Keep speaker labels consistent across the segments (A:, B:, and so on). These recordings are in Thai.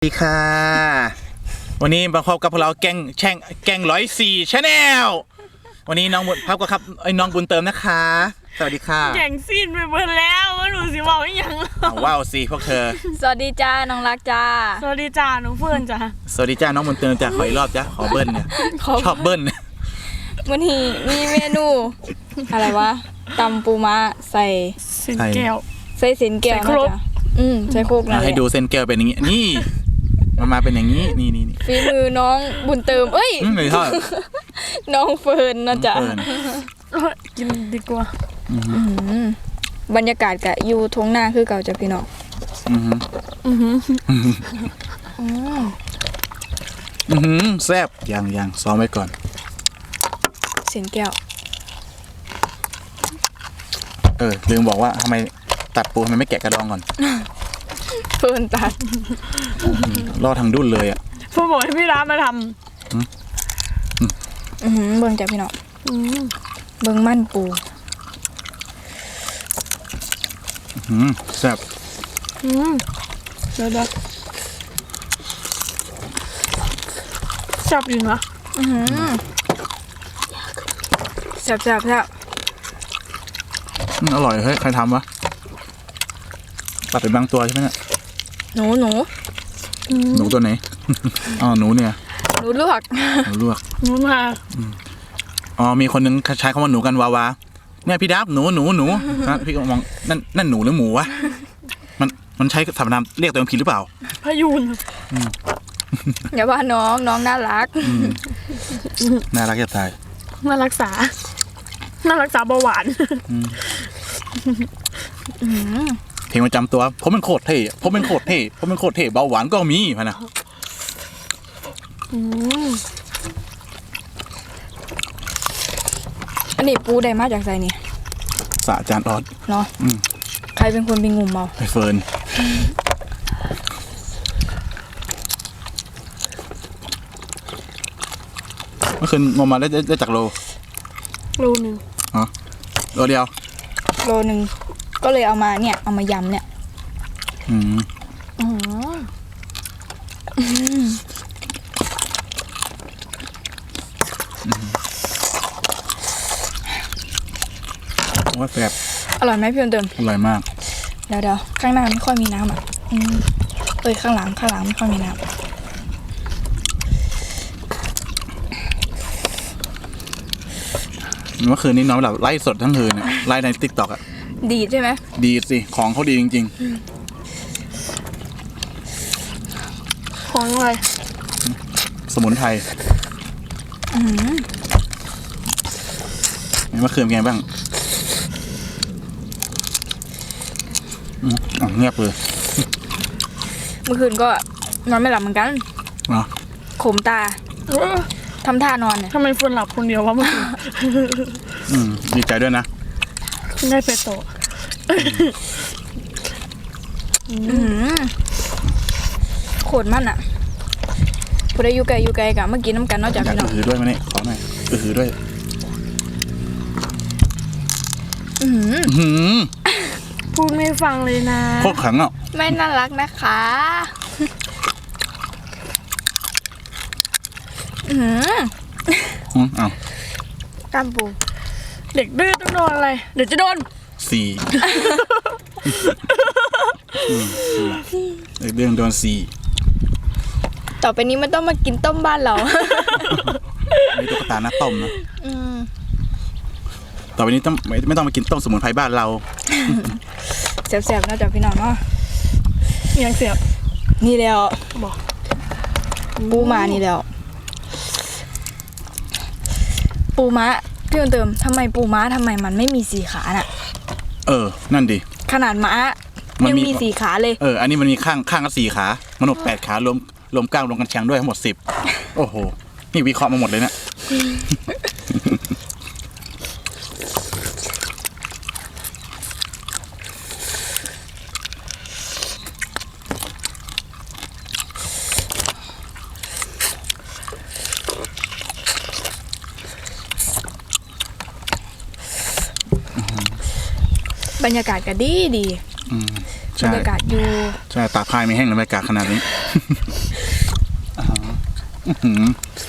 A: ดีค่ะวันนี้มาพบกับพวกเราแก๊ง104 Channel วันนี้น้องบุญพับก็ครับน้องบุญเติมนะคะสวัสดีค่ะ
B: แข่งซีนไปเบิร์แล้วว่าหนูสิบอกอย่าง
A: ว้าวสิพวกเธอ
C: สวัสดีจ้าน้องรักจ้า
B: สวัสดีจ้าหนูเฟื่อนจ้า
A: สวัสดีจ้าน้องบุญเติมจ้าขออีกรอบจ้าขอเบิ้ลเนี่ยชอบเบิ้ล
C: วันนี้มีเมนูอะไรวะตำปูม้าใส่
B: เส้นแก้ว
C: ใส่เส้นแก้วนะจ๊ะใส่โคกนะ
A: ให้ดูเส้นแก้วเป็นอย่างนี้นี่มาเป็นอย่างนี้นี่
C: ฝีมือน้องบุญเติมเอ้ย
A: ไม่ทอด
C: น้องเฟิร์นนะจ๊ะ
B: กินดีกว่า
C: บรรยากาศกะอยู่ท้องนาคือเก่าจ้ะพี่น้อง
A: แซ่บยังซ้อมไว้ก่อน
C: เส้นแก้ว
A: ลืมบอกว่าทำไมตัดปูทำไมไม่แกะกระดองก่อน
C: เฟิร์นตัด
A: รอทางดุ้นเลยอ่ะ
B: เพื่อบอกให้พี่ร้านมาท
C: ำเบิ่งจ้ะพี่น้องเบิ่งมั่นปู
A: แซ่บ
B: เดี๋ยวชอบดีนะ
C: แซ่บ
A: อร่อยเฮ้ยใครทำวะตัดเป็นบางตัวใช่ไหมเนี่ย
C: หนู
A: ตัวไหนอ๋อหนูเนี่ย
C: หนูลวก
B: มา
A: มีคนนึงใช้คำว่าหนูกันวาวาเนี่ยพี่ดับหนูนะพี่ก็มองนั่นหนูหรือหมูวะมันใช้สรรพนามเรียกตัวเองผิดหรือเปล่า
B: พยูน
C: อย่าว่าน้องน่ารัก
A: จะตาย
B: น่ารักษาเบาหวาน
A: เพลงประจำตัวผมเป็นโคตรเท่เบาหวานก็มีพะนะ
C: อันนี้ปูได้มาจากไสนี่
A: สะจานออด
C: เนาะใครเป็นคนไปงมเอา
A: ไอเฟิร์นเมื่อคืนงมมาได้จากโล
B: นึง
A: โลเดียว
C: โลนึงก็เลยเอามายำเนี่ย
A: ว่าแซ่บ
C: อร่อยไหมพี่เติม
A: อร่อยมาก
C: เดี๋ยวข้างหน้าไม่ค่อยมีน้ำอ่ะข้างหลังไม่ค่อยมีน้ำ
A: เมื่อคืนนี้น้องแบบไล่สดทั้งคืนไล่ในติ๊กต็อกอ่ะ
C: ดีใช่ไหม
A: ดีสิของเขาดีจริง
B: ๆของอะไร
A: สมุนไพรเมื่อคืนเป็นไงบ้างเงียบเลย
C: เมื่อคืนก็นอนไม่หลับเหมือนกันขมตาทำท่านอนเนี่ย
B: ทำไมฝนหลับคนเดียววะเมื่อคืน
A: ดีใจด้วยนะ
B: ได้เปโต
C: โคตรมันอ่ะพอได้อยู่ไกลกับเมื่อกี้น้ำกันนอกจากพี่น้อง
A: หือด้วยมั้ยเนี่ยขอหน่อยหือด้วย
B: พูดไม่ฟังเลยนะ
A: โคตรขังอ่ะ
C: ไม่น่ารักนะคะ
B: กามปูเด็กดื้อต้องโดนอะไรเดี๋ยวจะโดน
A: 4เด็กดื้อโดน4
C: ต่อไปนี้มันต้องมากินต้มบ้านเรา
A: ไม่ตุ๊กตาหน้าต้มนะต่อไปนี้ต้องไม่ต้องมากินต้มสมุนไพรบ้านเรา
C: แซ่บๆนะจ๊ะพี่น้องเนาะ
B: ยังเสียบ
C: นี่แล้วบอกปูมานี่แล้วปูม้าพี่เติมทำไมปูม้าทำไมมันไม่มี4ขาน่ะ
A: นั่นดิ
C: ขนาดม้ายังมี4ขาเลย
A: อันนี้มันมีข้างก็4ขามนุษย์8ขารวมกล้างรวมกันแชงด้วยทั้งหมด10โอ้โหนี่วิเคราะห์มาหมดเลยเนี่ย
C: บรรยากาศก็ดีบรรยากาศอยู่
A: ใช่ตากผ้าไม่แห้งเลยบรรยากาศขนาดนี้หืม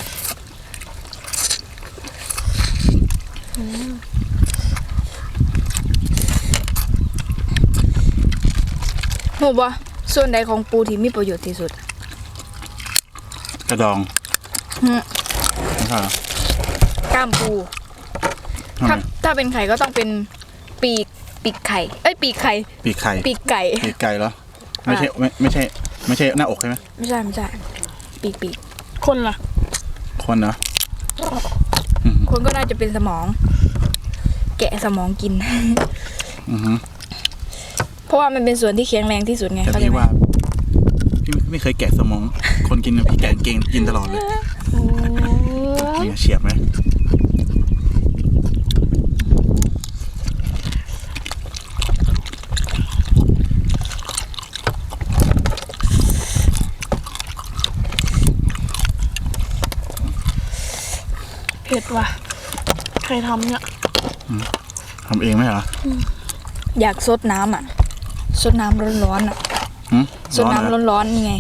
C: หูบ่ส่วนใดของปูที่มีประโยชน์ที่สุด
A: กระดอง
C: หืม
A: ไม่ใช่เหรอก
C: ล้ามปู
A: ทำไม
C: ถ้าเป็นไข่ก็ต้องเป็นปีกไข่เอ้ยปีกไข่
A: ปีกไข่
C: ปีกไก่
A: ปีกไก่เหรอไม่ใช่ไม่ใช่หน้าอกใช่ไหม
C: ไม่ใช่ปีก
B: คนล่ะ
A: คนเหรอ
C: คนก็น่าจะเป็นสมอง แกะสมองกิน
A: อือหือ
C: เพราะว่ามันเป็นส่วนที่แข็งแรงที่สุดไง
A: แต่
C: เข้าใจ
A: พี่
C: ไหม
A: ว่าพี่ไม่เคยแกะสมอง คนกินนะพี่แกะเก่งกินตลอดเลยนี่ไงเฉียบไหม
B: เผ็ดว่ะใครทำเนี่ย
A: ทำเองไหมเหรอ
C: อยากซดน้ำอ่ะซดน้ำร้อนๆอ่ะ
A: หืม
C: ซด
A: ร้อนเหรอ
C: น้ำร้อนๆนี่ไง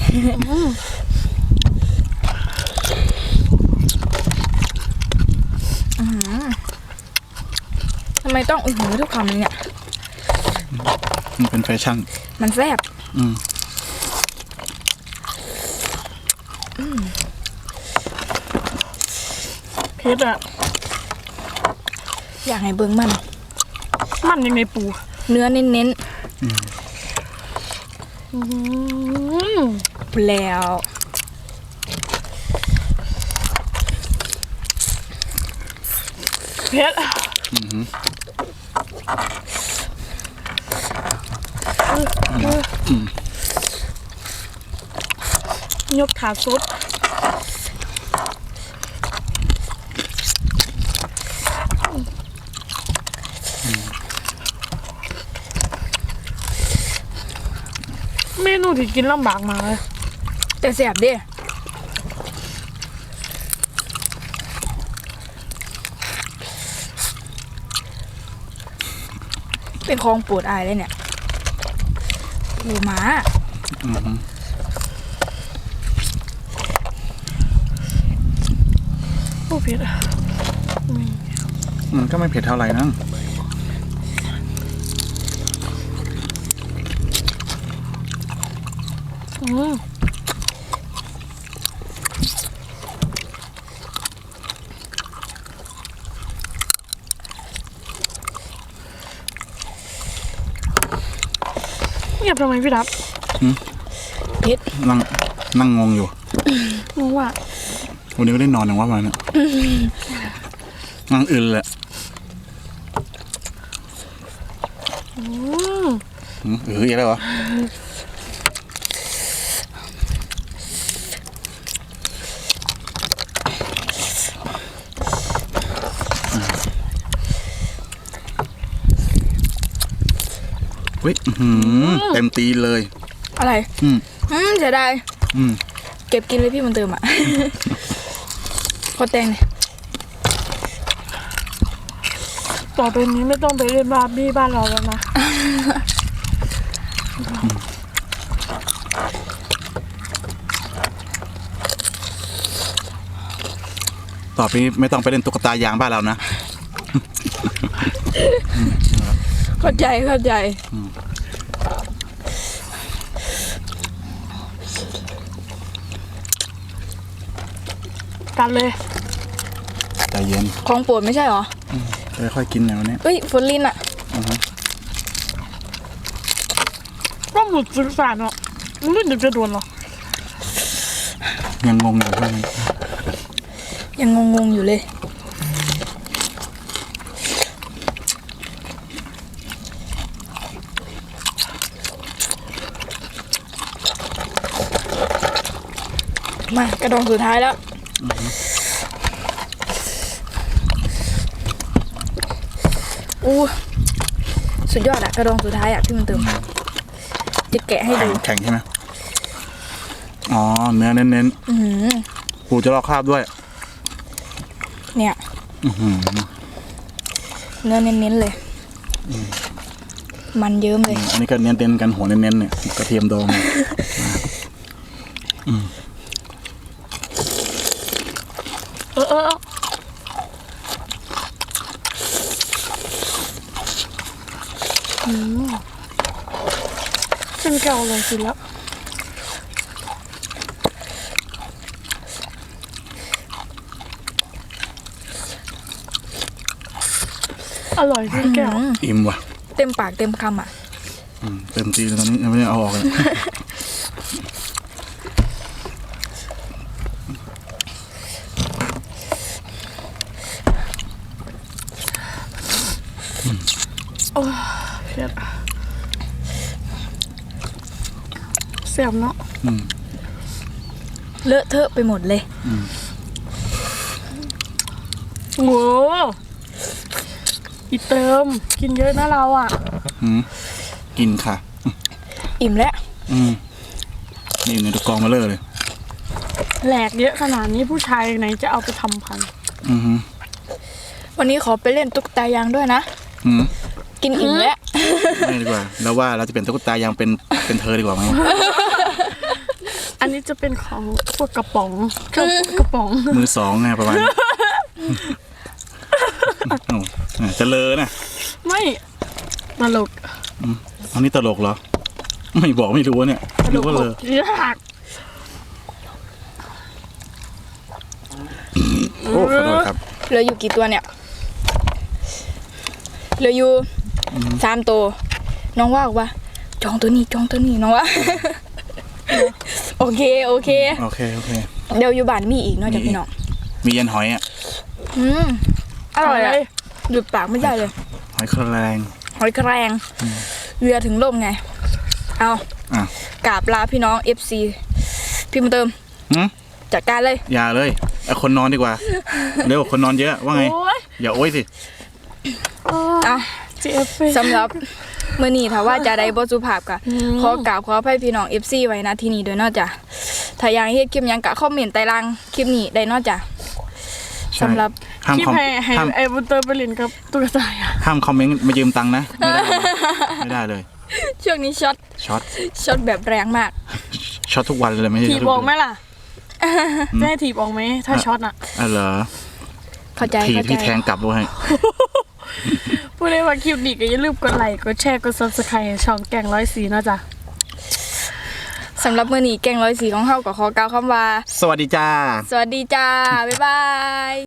C: ทำไมต้องอื้อหือทุกคำเลยเนี่ย
A: มันเป็นแฟชั่น
C: มันแซ่บ
A: อืม
B: เผ็ดอ่ะ
C: อยากให้เบิ่งมัน
B: มันยังไงปู
C: เนื้อเน้น
B: อืม
C: ๆแล้ว
B: เผ็ดยกขาสุดเมนูที่กินลำบากมากเลย
C: แต่แซ่บเด้เป็นของโปรดอายเลยเนี่ยปูม้า
A: อือหือ
B: โอ้เผ็ดอ่ะ
A: มันก็ไม่เผ็ดเท่าไหร่นะ
B: อืมเงียบทำไมพี่ดับ
C: เผ็ด
A: นั่งงงอยู่
B: งงว่า
A: วันนี้ก็ได้นอนอย่างว่ามันเนี่ยนั่งอื่นเลย
B: อืม
A: อีกแล้วเหรอ เฮ้ยเต็มตีนเลย
C: อะไร
A: อืม
C: เสียดาย
A: อืม
C: เก็บกินเลยพี่มันเติมอ่ะ ขอแตงเลย
B: ต่อไปนี้ไม่ต้องไปเล่นบาร์บี้บ้านเราแล้วนะ
A: ต่อไปนี้ไม่ต้องไปเล่นตุ๊กตายางบ้านเรานะ
C: เข้าใจ
B: กันเลย
A: ใจเย็น
C: ของโปรดไม่ใช่เหรอ
A: ค่อยๆกินหน่อยวันนี้
C: เอ้ยฝนลินอ่ะ
B: ว่าหมุดสื่อสารเนาะมันไม่ถึงจะโดนหรอ
A: ยังงงอยู่ว่ามัน
C: ยังงงๆอยู่เลย มากระดองสุดท้ายแล้ว อู้สุดยอดอะกระดองสุดท้ายอะที่มันเติมจะแกะให้ดู
A: แข็งใช่ไหมอ๋อ เนื้อเน้น
C: อือหือ
A: ๆปูจะลอกคราบด้วย
C: เนี่ย
A: อื้อหือ
C: เนื้อเน้นๆเลย มันเยิ้มเลย
A: อันนี้ก็เน้นๆกันหัวเน้นๆเนี่ยกระเทียมดองเนี่ย
B: เป็นเก่าเลยสิแล้วอร่อยจริงแก้ว
A: อิ่มว่ะ
C: เต็มปากเต็มคำอ่ะ
A: เต็มทีเลยตอนนี้ยังไม่ได้เอาออกเลย
B: โอ้เผ็ดเสียบเนาะ
C: เลอะเทอะไปหมดเลย
B: โหอีเติมกินเยอะนะเราอ่ะ
A: กินค่ะ
C: อิ่มแล้ว
A: นี่ในตะกองมาเลย
B: แหลกเยอะขนาดนี้ผู้ชายไหนจะเอาไปทำพันธุ์
C: วันนี้ขอไปเล่นตุ๊กตายางด้วยนะ กินอิ่มแล้ว
A: ไม่ดีกว่าแล้วว่าเราจะเป็นตุ๊กตายังเป็นเธอดีกว่าไหม
B: อันนี้จะเป็นของพวกกระป๋องเครื่องกระป๋อง
A: มือสองไงประมาณนี้จะเลอนะ
B: ไม่ตลก
A: อันนี้ตลกเหรอไม่บอกไม่รู้เนี่ยรู้ว่าเลอย
B: าก
A: โอ้ขอโทษครับ
C: เหลืออยู่กี่ตัวเนี่ย เหลืออยู่3 ตัว น้องว่าบอกว่าจองตัวนี้น้องว่า โอเค
A: โอเค
C: เดี๋ยวอยู่บ้านมีอีกเนอกจากพี่น้อง
A: มียันหอยอ่ะ
C: อร่อยอะหยุดปากไม่ได้เลย
A: หอยแครง
C: หอยแครงเรือถึงล่มไง เอา
A: อ่ะ
C: กราบลาพี่น้อง FC พี่มาเติม จัดการเลย
A: อย่าเลยไอคนนอนดีกว่าเร็วคนนอนเยอะว่าไง
B: โอ้ย
A: อย่าโอ้ยสิ
C: อ่ะ
B: GF
C: สำหรับมื้อนี้ถ้าว่าจะได้บ่สุภาพก็ขอกราบขออภัยพี่น้อง FC ไว้นะที่นี่ด้วยเนาะจ้ะถ้าอยากเฮ็ดคลิปหยังก็คอมเมนต์ใต้ล่างคลิปนี้ได้เนาะจ้ะสำหรับ
A: ห้าม
B: ที่
A: คอม
B: ให้
A: ห้าม
B: ไอ้บุญเตอร์ไปเลินกับตุ๊กตาอ่ะ
A: ห้ามคอมเมนต์มายืมตังค์นะไม่ได้เลย
C: ช่วงนี้ช็อตแบบแรงมาก
A: ช็อตทุกวันเลยไม่ใช่
B: ถีบออกไหมล่ะจะให้ถีบออกไหมถ้าช็อตอ่ะ
A: เหรอ
C: เข้าใจ
A: ทีที่แทงกลับด้วย
B: พูดได้ว่าคลิปนี้ก็อย่าลืมกดไลค์กดแชร์กด Subscribe ช่องแกง104เนาะจ้ะ
C: สำหรับมื้อนี้แกง104ของเฮาก็ขอกล่าวคำว่า
A: สวัสดีจ้า
C: สวัสดีจ้า บ๊ายบาย